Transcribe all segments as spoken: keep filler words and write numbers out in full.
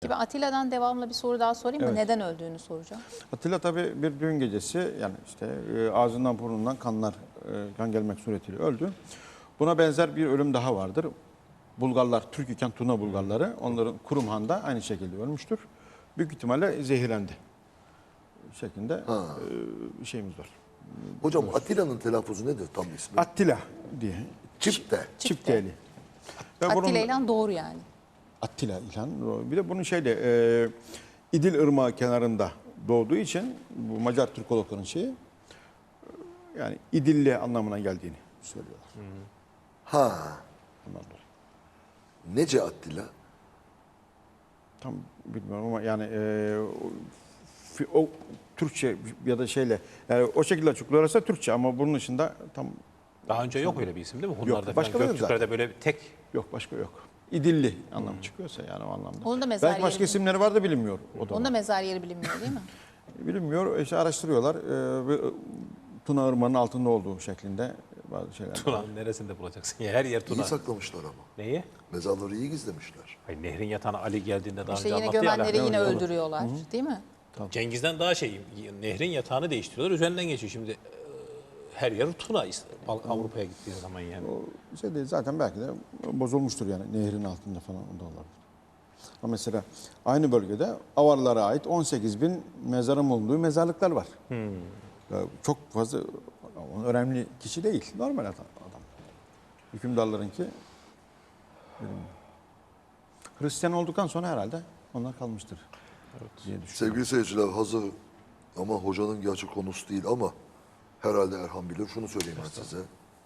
Gibi Atilla'dan devamlı bir soru daha sorayım mı? Evet. Neden öldüğünü soracağım. Atilla tabii bir düğün gecesi, yani işte e, ağzından burnundan kanlar, e, kan gelmek suretiyle öldü. Buna benzer bir ölüm daha vardır. Bulgarlar, Türk iken Tuna Bulgarları, onların Kurumhan'da aynı şekilde ölmüştür. Büyük ihtimalle zehirlendi şeklinde e, şeyimiz var. Hocam Atilla'nın telaffuzu nedir tam ismi? Attila diye. Çipte. Çifteli. Ve bunun- Attila İlhan doğru yani. Attila İlhan. Bir de bunun şeyde e, İdil Irmağı kenarında doğduğu için bu Macar Türkologların şeyi, yani İdilli anlamına geldiğini söylüyorlar. Ha. Ondan dolayı. Nece Attila? Tam bilmiyorum ama yani e, o, o Türkçe ya da şeyle, yani o şekilde açıklıyorlarsa Türkçe, ama bunun dışında tam Daha önce yok öyle bir isim değil mi? Hunlarda başka falan, yok Göktürklerde zaten. böyle bir tek yok, başka yok. İdilli anlamı çıkıyorsa yani o anlamda. Onun da mezar Belki başka yeri- isimleri var da bilinmiyor. O da Onun da var. mezar yeri bilinmiyor değil mi? Bilinmiyor. İşte araştırıyorlar. Ee, ve Tuna Irmağı'nın altında olduğu şeklinde bazı şeyler var. Tuna'nın neresinde bulacaksın? Ya her yer İyi Tuna. saklamışlar ama. Neyi? Mezarları iyi gizlemişler. Hayır, nehrin yatağına Ali geldiğinde daha İşte önce yine anlattı ya. gömenleri Alaaddin. yine öldürüyorlar değil mi? Cengiz'den daha şey, nehrin yatağını değiştiriyorlar. Üzerinden geçiyor şimdi. e, Her yer Tuna Avrupa'ya gittiği zaman yani. O şey değil, zaten belki de bozulmuştur yani nehrin altında falan, o da olabilir. Ama mesela aynı bölgede Avarlara ait on sekiz bin mezarın bulunduğu mezarlıklar var. Ya çok fazla önemli kişi değil. Normal adam. adam. Hükümdarlarınki bilmiyorum. Hristiyan olduktan sonra herhalde onlar kalmıştır. Diye düşünüyorum. Sevgili seyirciler, hazır ama hocanın gerçek konusu değil ama herhalde Erhan bilir. Şunu söyleyeyim ben size.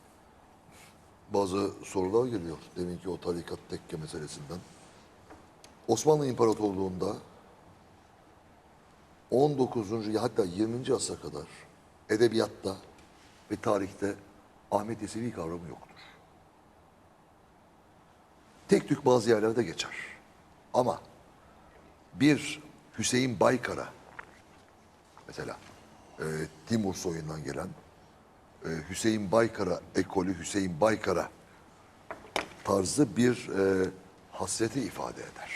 Bazı sorular geliyor. Deminki o tarikat tekke meselesinden. Osmanlı İmparatorluğu'nda on dokuzuncu hatta yirminci asra kadar edebiyatta ve tarihte Ahmet Yesevi kavramı yoktur. Tek tük bazı yerlerde geçer. Ama bir Hüseyin Baykara, mesela e, Timur soyundan gelen e, Hüseyin Baykara ekolü, Hüseyin Baykara tarzı bir e, hasreti ifade eder.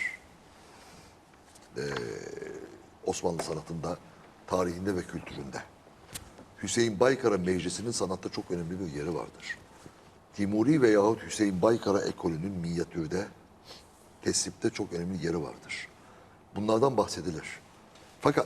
E, Osmanlı sanatında, tarihinde ve kültüründe. Hüseyin Baykara Meclisi'nin sanatta çok önemli bir yeri vardır. Timuri veyahut Hüseyin Baykara ekolünün minyatürde, tesipte çok önemli yeri vardır. Bunlardan bahsedilir. Fakat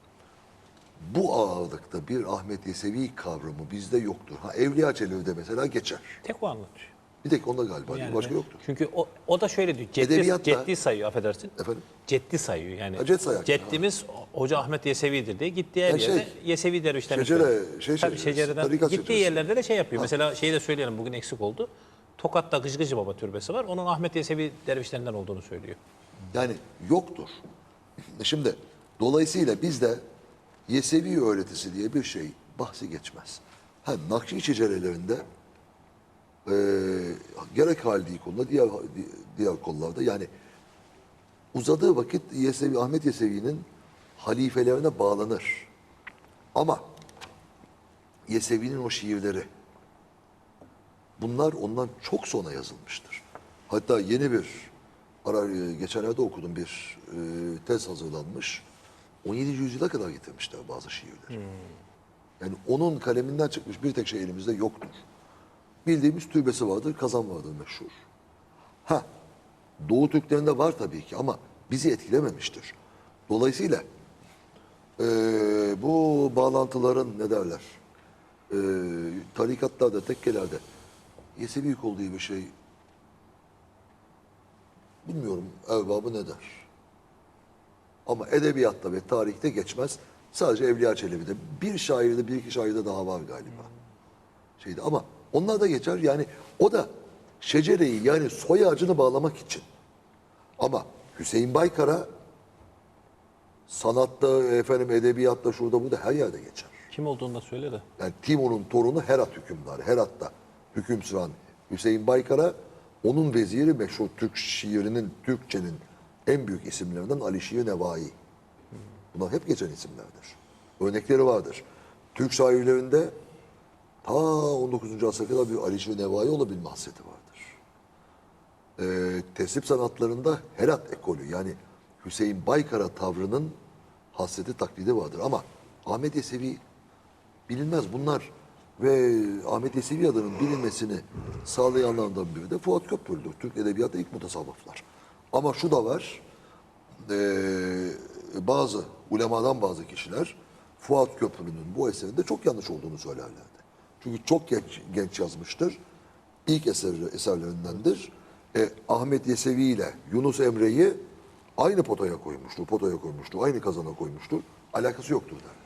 bu ağırlıkta bir Ahmet Yesevi kavramı bizde yoktur. Ha, Evliya Çelebi'de mesela geçer. Tek o anlatıyor. Bir tek onda galiba. Yani başka ben- yoktur. Çünkü o, o da şöyle diyor. Ceddi, Edebiyatta- ceddi sayıyor, affedersin. Efendim? Ceddi sayıyor yani. Ha, ced sayar. Ceddimiz Hoca Ahmet Yesevi'dir diye gittiği her Ya yerde şey, Yesevi dervişlerini şecere- söylüyor. şey Tabii şeceresi, şecereden tarikat gittiği şeceresi. yerlerde de şey yapıyor. Mesela şeyi de söyleyelim, bugün eksik oldu. Tokat'ta Gıcgıcı Baba türbesi var. Onun Ahmet Yesevi dervişlerinden olduğunu söylüyor. Yani yoktur. Şimdi dolayısıyla bizde Yesevi öğretisi diye bir şey bahsi geçmez. Ha, Nakşi şecerelerinde eee gerek haldi konuda diğer diğer kollarda yani uzadığı vakit Yesevi, Ahmet Yesevi'nin halifelerine bağlanır. Ama Yesevi'nin o şiirleri bunlar ondan çok sonra yazılmıştır. Hatta yeni bir ara, geçenlerde okudum bir e, tez hazırlanmış. on yedinci yüzyıla kadar getirmişler bazı şiirleri. Yani onun kaleminden çıkmış bir tek şey elimizde yoktur. Bildiğimiz türbesi vardır, kazan vardır meşhur. Ha, Doğu Türklerinde var tabii ki ama bizi etkilememiştir. Dolayısıyla e, bu bağlantıların ne derler? E, tarikatlarda, tekkelerde Yesevi kol diye bir şey bilmiyorum erbabı ne der. Ama edebiyatta ve tarihte geçmez. Sadece Evliya Çelebi'de. Bir şairde, bir iki şairde daha var galiba. Şeydi ama onlar da geçer. Yani o da şecereyi yani soy ağacını bağlamak için. Ama Hüseyin Baykara sanatta, efendim edebiyatta, şurada burada her yerde geçer. Kim olduğunu da söyle de. Yani Timur'un torunu Herat hükümdarı. Herat'ta hüküm süren Hüseyin Baykara, onun veziri meşhur Türk şiirinin, Türkçenin en büyük isimlerinden Ali Şiir Nevai. Bunlar hep geçen isimlerdir. Örnekleri vardır. Türk şairlerinde ta on dokuzuncu asra kadar bir Ali Şiir Nevai olabilme hasreti vardır. Ee, tesip sanatlarında Herat ekolü yani Hüseyin Baykara tavrının hasreti taklidi vardır. Ama Ahmet Yesevi bilinmez bunlar ve Ahmet Yesevi adının bilinmesini sağlayanlardan biri de Fuat Köprülü'dür. Türk Edebiyatı'nda ilk mutasavvıflar. Ama şu da var, eee, bazı ulemadan bazı kişiler Fuat Köprülü'nün bu eserinde çok yanlış olduğunu söylerlerdi. Çünkü çok genç, genç yazmıştır. İlk eseri, eserlerindendir. E, Ahmet Yesevi ile Yunus Emre'yi aynı potaya koymuştur, potaya koymuştur, aynı kazana koymuştur. Alakası yoktur der.